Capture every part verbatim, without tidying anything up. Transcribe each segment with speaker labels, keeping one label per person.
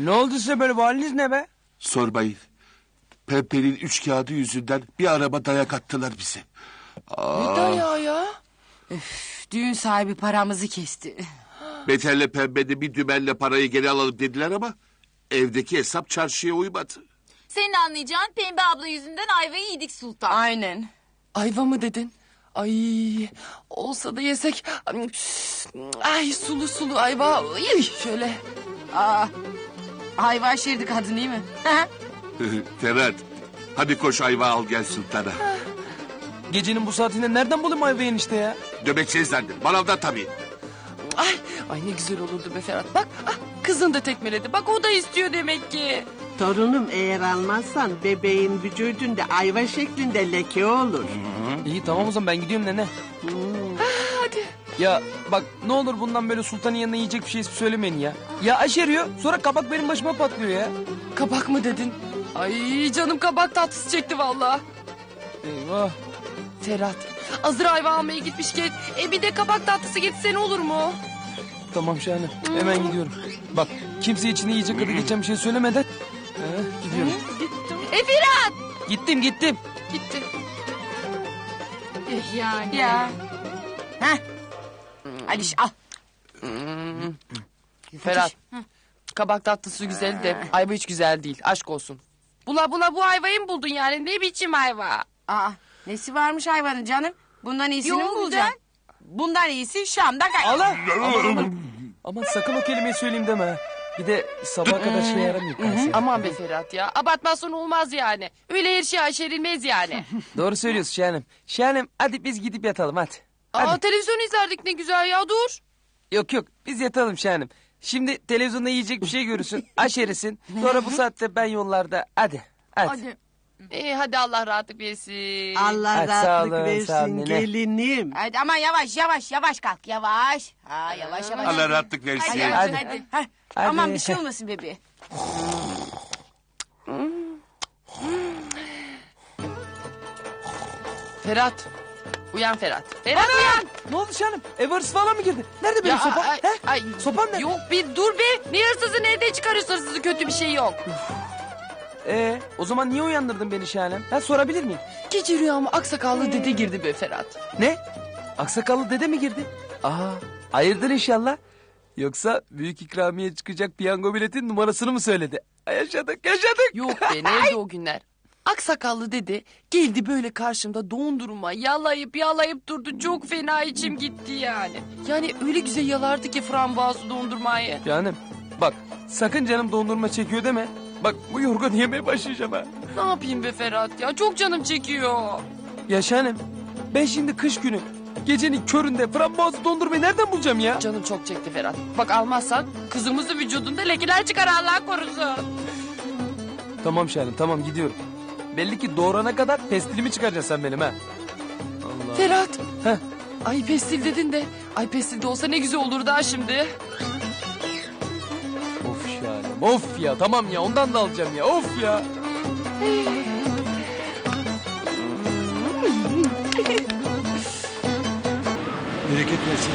Speaker 1: Ne oldu size böyle, bu haliniz ne be?
Speaker 2: Sormayın. Pembe'nin üç kağıdı yüzünden bir araba dayak attılar bize.
Speaker 1: Ne dayağı ya?
Speaker 3: Üf, düğün sahibi paramızı kesti.
Speaker 2: Beter'le Pembe'de bir dümenle parayı geri alalım dediler ama... evdeki hesap çarşıya uymadı.
Speaker 4: Senin anlayacağın Pembe abla yüzünden ayvayı yedik Sultan.
Speaker 3: Aynen.
Speaker 1: Ayva mı dedin? Ay, olsa da yesek. Ay, sulu sulu ayva. Ay, şöyle.
Speaker 3: Aa, ayva şerdi kadın değil mi?
Speaker 2: Ferhat, hadi koş ayva al gel sultana.
Speaker 1: Gecenin bu saatinde nereden bulayım ayvayı enişte ya?
Speaker 2: Döbekçe zannedin, manavdan tabii.
Speaker 1: Ay, ay ne güzel olurdu be Ferhat. Bak, ah, kızın da tekmeledi. Bak, o da istiyor demek ki.
Speaker 5: Torunum, eğer almazsan bebeğin vücudunda ayva şeklinde leke olur.
Speaker 1: İyi, tamam o zaman ben gidiyorum nene. Hadi. Ya bak, ne olur bundan böyle sultanın yanına yiyecek bir şey söylemeyin ya. Ya aşeriyor, sonra kabak benim başıma patlıyor ya. Kabak mı dedin? Ay, canım kabak tatlısı çekti vallahi. Eyvah. Ferhat, hazır ayva almaya gitmişken e, bir de kabak tatlısı getirsen olur mu? Tamam Şahane, hemen gidiyorum. Bak, kimse içine yiyecek adı geçen bir şey söylemeden ee, gidiyorum.
Speaker 3: E Ferhat!
Speaker 1: Gittim gittim.
Speaker 3: Gitti.
Speaker 4: Yani.
Speaker 3: Ya. Heh. Hadi al.
Speaker 1: Ferhat, kabak tatlısı güzel de ayva hiç güzel değil, aşk olsun. Bula bula bu ayvayı mı buldun yani, ne biçim ayva?
Speaker 3: Aa, nesi varmış hayvanın canım? Bundan iyisini mi
Speaker 4: Yok,
Speaker 3: bulacaksın? Bundan iyisi Şam'da kay.
Speaker 1: Allah! Aman aman. Aman sakın o kelimeyi söyleyeyim deme ha. Bir de sabah kadar şey yaramıyor. Aman be Ferhat ya. Abartmazsan olmaz yani. Öyle her şey aşerilmez yani. Doğru söylüyorsun Şahanem. Şahanem, hadi biz gidip yatalım hadi. Hadi. Aa, televizyon izlerdik ne güzel ya, dur. Yok yok, biz yatalım Şahanem. Şimdi televizyonda yiyecek bir şey görürsün. Aşerisin. Sonra bu saatte ben yollarda. Hadi. Hadi.
Speaker 3: Hadi.
Speaker 1: İyi, hadi Allah rahatlık versin.
Speaker 5: Allah
Speaker 1: Hadi, sağ
Speaker 5: rahatlık
Speaker 1: olun,
Speaker 5: versin
Speaker 1: sağ olun nene.
Speaker 5: gelinim.
Speaker 3: Hadi ama yavaş yavaş yavaş kalk yavaş. Ha yavaş yavaş.
Speaker 2: Allah rahatlık versin.
Speaker 3: Hadi
Speaker 1: Hadi.
Speaker 3: hadi. hadi. Heh,
Speaker 1: Hadi.
Speaker 3: Aman bir şey olmasın bebeğe.
Speaker 1: Ferhat. Uyan Ferhat. Ferhat uyan. Ne oldu canım? Ev hırsız falan mı girdi? Nerede benim sopam?
Speaker 3: ay,
Speaker 1: He?
Speaker 3: ay,
Speaker 1: Sopam nerede?
Speaker 3: Yok bir dur be. Ne hırsızı, nereden çıkarıyorsun hırsızı, kötü bir şey yok.
Speaker 1: Ee, o zaman niye uyandırdın beni Şahanem? Ben sorabilir miyim? Gece rüyama aksakallı dede girdi be Ferhat. Ne? Aksakallı dede mi girdi? Aa, hayırdır inşallah. Yoksa büyük ikramiye çıkacak piyango biletin numarasını mı söyledi? Ay, yaşadık yaşadık. Yok be, nerede o günler? Aksakallı dede geldi böyle karşımda dondurma yalayıp yalayıp durdu. Çok fena içim gitti yani. Yani öyle güzel yalardı ki frambuazlı dondurmayı. Canım bak, sakın canım dondurma çekiyor deme. Bak, bu yorgun yemeye başlayacağım ha. Ne yapayım be Ferhat ya, çok canım çekiyor. Ya Şahanem, ben şimdi kış günü gecenin köründe frambuazlı dondurmayı nereden bulacağım ya? Canım çok çekti Ferhat. Bak, almazsan kızımızın vücudunda lekeler çıkar, Allah korusun. Tamam Şahanem, tamam gidiyorum. Belli ki doğurana kadar pestilimi çıkaracaksın sen benim ha. Allah. Ferhat. Heh. Ay pestil dedin de. Ay pestil de olsa ne güzel olurdu ha şimdi. Of Şahanem, of ya, tamam ya, ondan da alacağım ya, of ya.
Speaker 6: Bereket versin.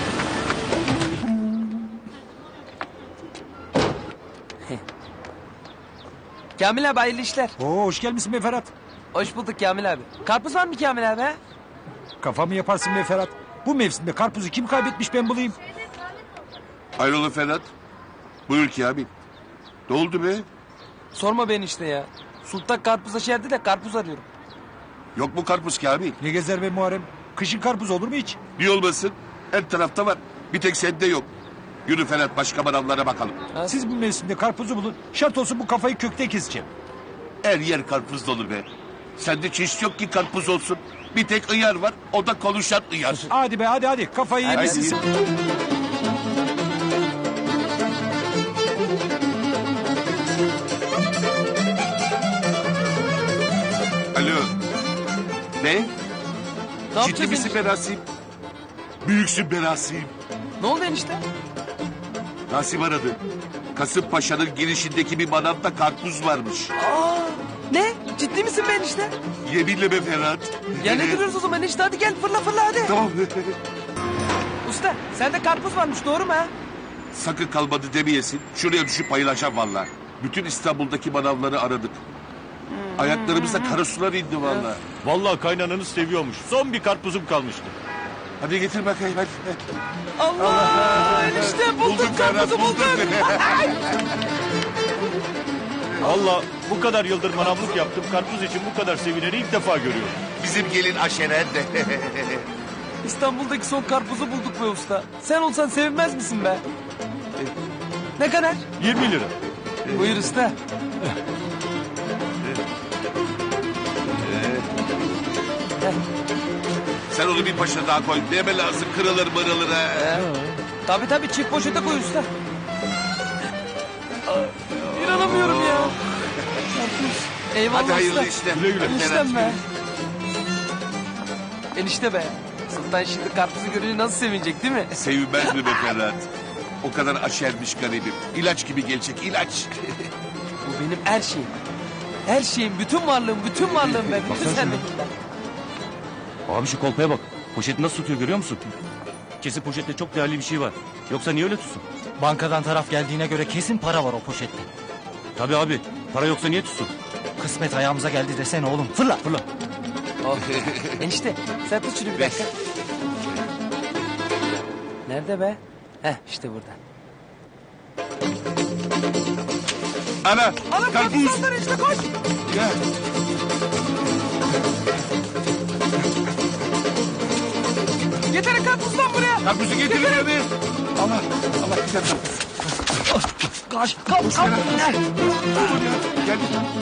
Speaker 1: Kamil abi, hayırlı işler.
Speaker 6: Oo, hoş gelmişsin be Ferhat.
Speaker 1: Hoş bulduk Kamil abi. Karpuz var mı Kamil abi ha?
Speaker 6: Kafamı yaparsın be Ferhat. Bu mevsimde karpuzu kim kaybetmiş ben bulayım.
Speaker 2: Hayrola Ferhat? Buyur ki abi. Ne oldu be?
Speaker 1: Sorma beni işte ya. Sultan karpuza şerdi de karpuz arıyorum.
Speaker 2: Yok mu karpuz ki abi?
Speaker 6: Ne gezer be Muharrem? Kışın karpuz olur mu hiç?
Speaker 2: Niye olmasın? Her tarafta var. Bir tek sende yok. Yürü Ferhat, başka manavlara bakalım.
Speaker 1: Ha?
Speaker 6: Siz bu mevsimde karpuzu bulun. Şart olsun bu kafayı kökte keseceğim.
Speaker 2: Her yer karpuz dolu be. Sende çeşit yok ki karpuz olsun. Bir tek ıyar var, o da konuşan ıyar.
Speaker 6: Hadi be hadi hadi kafayı
Speaker 1: Hadi,
Speaker 6: yemişsin.
Speaker 1: hadi.
Speaker 2: Alo. Ne?
Speaker 1: Ne
Speaker 2: Ciddi
Speaker 1: yapacağız
Speaker 2: misin
Speaker 1: enişte?
Speaker 2: be Rasim? Büyüksün be Rasim.
Speaker 1: Ne oldu enişte?
Speaker 2: Rasim aradı. Kasımpaşa'nın girişindeki bir manavda karpuz varmış.
Speaker 1: Aa, ne? Ciddi misin be enişte?
Speaker 2: Yeminle be Ferhat.
Speaker 1: Ya ne duruyoruz o zaman enişte, hadi gel fırla fırla hadi.
Speaker 2: Tamam.
Speaker 1: Usta, sende karpuz varmış, doğru mu ha?
Speaker 2: Sakın kalmadı demeyesin. Şuraya düşüp bayılacağım valla. Bütün İstanbul'daki manavları aradık. Ayaklarımıza kara sular indi vallahi.
Speaker 7: Vallahi kaynananız seviyormuş. Son bir karpuzum kalmıştı.
Speaker 2: Hadi getir bakayım hadi.
Speaker 1: Allah! Enişte bulduk
Speaker 2: Bulduk
Speaker 1: karpuzu
Speaker 2: Ferhat
Speaker 1: bulduk.
Speaker 2: bulduk.
Speaker 7: Vallahi bu kadar yıldır manavlık yaptım. Karpuz için bu kadar sevineni ilk defa görüyorum.
Speaker 2: Bizim gelin aşeren de.
Speaker 1: İstanbul'daki son karpuzu bulduk be usta. Sen olsan sevinmez misin be? Ne kadar?
Speaker 7: yirmi lira.
Speaker 1: Buyur usta.
Speaker 2: Sen onu bir paşa daha koy. Neme lazım kırılır mırılır ha.
Speaker 1: Ee, tabii tabii çift poşete koy usta. Aa, İnanamıyorum ya. Karpuz. Eyvallah
Speaker 2: Hadi hayırlı
Speaker 1: usta.
Speaker 2: işler.
Speaker 7: Güle güle.
Speaker 1: Eniştem be. Enişte be. Sultan şimdi karpuzu görünce nasıl sevinecek değil mi?
Speaker 2: Sevinmez mi be Ferhat? O kadar aşermiş garibim. İlaç gibi gelecek ilaç.
Speaker 1: Bu benim her şeyim. Her şeyim, bütün varlığım, bütün varlığım ben. Bütün sende.
Speaker 8: Abi şu kolpaya bak. Poşeti nasıl tutuyor görüyor musun? Kesin poşette çok değerli bir şey var. Yoksa niye öyle tutsun?
Speaker 9: Bankadan taraf geldiğine göre kesin para var o poşette.
Speaker 8: Tabii abi. Para yoksa niye tutsun?
Speaker 9: Kısmet ayağımıza geldi desene oğlum. Fırla.
Speaker 8: Fırla.
Speaker 1: Oh. Enişte sen tut şunu bir dakika. Nerede be? Heh işte burada.
Speaker 2: Ana,
Speaker 1: Alın
Speaker 2: karpuz.
Speaker 1: karpuzlar işte koş.
Speaker 2: Gel.
Speaker 1: Yeter karpuzdan buraya.
Speaker 2: Karpuzu getirin beni. Allah, Allah güzel karpuz.
Speaker 1: Kaç, kalk, kalk.
Speaker 2: Gel.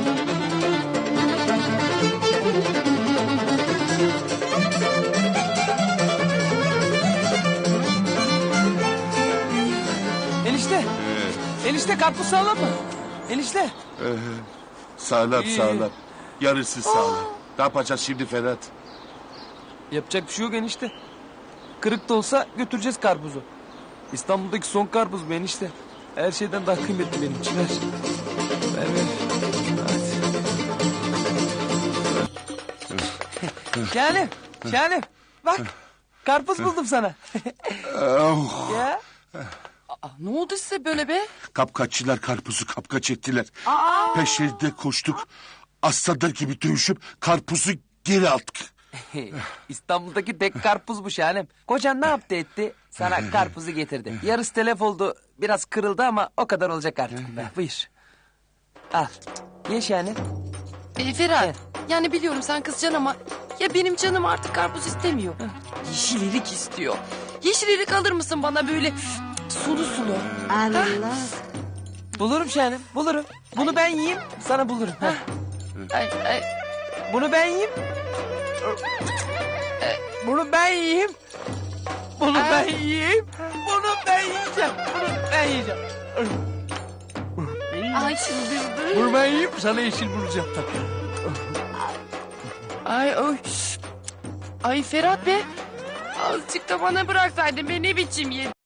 Speaker 1: Enişte, enişte karpuz sağlam mı? Enişte.
Speaker 2: Sağlam
Speaker 1: İyi.
Speaker 2: sağlam. Yarısı sağlam. Ne yapacağız şimdi Ferhat?
Speaker 1: Yapacak bir şey yok enişte. Kırık da olsa götüreceğiz karpuzu. İstanbul'daki son karpuz bu enişte. Her şeyden daha kıymetli benim için. Ver. Ver ver. Hadi. Şahanem. Şahanem. Bak. Karpuz buldum sana.
Speaker 2: Oh,
Speaker 1: Ya.
Speaker 3: Aa, ne oldu size böyle be?
Speaker 2: kapkaççılar karpuzu kapkaç ettiler. Peşlerinde koştuk. Aslanlar gibi dövüşüp karpuzu geri aldık.
Speaker 1: İstanbul'daki tek karpuz bu Şahanem. Kocan ne yaptı etti? Sana karpuzu getirdi. Yarısı telef oldu. Biraz kırıldı ama o kadar olacak artık. Be. Buyur. Al. Ye Şahanem.
Speaker 3: E, Ferhat, yani biliyorum sen kızacaksın ama... ...ya benim canım artık karpuz istemiyor. Yeşil erik istiyor. Yeşil erik alır mısın bana böyle sulu sulu?
Speaker 5: Allah.
Speaker 1: Bulurum Şahanem. Bulurum. Bunu ben yiyeyim. Sana bulurum. Heh.
Speaker 3: Ay, ay,
Speaker 1: Bunu ben yiyeyim. Bunu ben yiyeyim. Bunu ben yiyeyim. Bunu ben yiyeceğim. Bunu ben yiyeceğim.
Speaker 3: ay çıldırdı.
Speaker 1: Bunu ben yiyeyim. Sana yeşil bulacağım.
Speaker 3: Ay oy. Ay Ferhat be. Azıcık da bana bıraksaydın be ne biçim yedin.